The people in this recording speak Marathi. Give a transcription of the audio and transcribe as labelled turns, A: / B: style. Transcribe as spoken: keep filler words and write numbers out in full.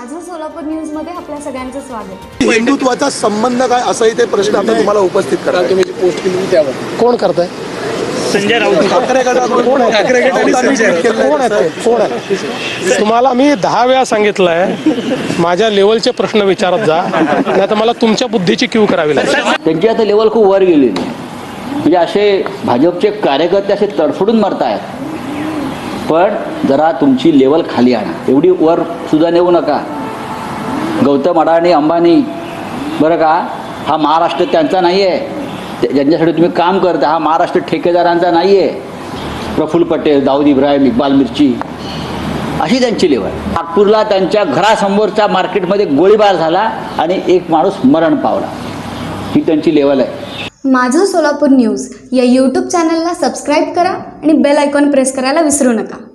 A: माझं सोलापूर न्यूज मध्ये आपल्या सगळ्यांचं स्वागत।
B: हिंदुत्वाचा संबंध काय असाही ते प्रश्न आता तुम्हाला उपस्थित करा। तुम्ही पोस्ट केली त्यावर कोण करताय?
C: संजय राऊत
B: ठाकरे गटाकडून कोण आहे? ठाकरे गटाने संजय कोण आहे? ते? कोण आहे?
D: तुम्हाला मी दहा वेळा सांगितलंय माझ्या लेवलचे प्रश्न विचारत जा, नाही तर मला तुमच्या बुद्धीची क्यू करावी लागेल।
E: त्यांची आता लेवल खूप वर गेलेली आहे, म्हणजे असे भाजपचे कार्यकर्ते असे तडफडून मरतायत। पण जरा तुमची लेवल खाली आणा, एवढी वर सुद्धा नेऊ नका। गौतम अडाणी अंबानी बरं का, हा महाराष्ट्र त्यांचा नाही आहे, ज्यांच्यासाठी तुम्ही काम करता हा महाराष्ट्र ठेकेदारांचा नाही आहे। प्रफुल्ल पटेल, दाऊद इब्राहिम, इक्बाल मिर्ची अशी त्यांची लेवल। नागपूरला त्यांच्या घरासमोरच्या मार्केटमध्ये गोळीबार झाला आणि एक माणूस मरण पावला, ही त्यांची लेवल आहे।
A: माझं सोलापूर न्यूज या यूट्यूब चॅनलला सबस्क्राईब करा आणि बेल आयकॉन प्रेस करायला विसरू नका।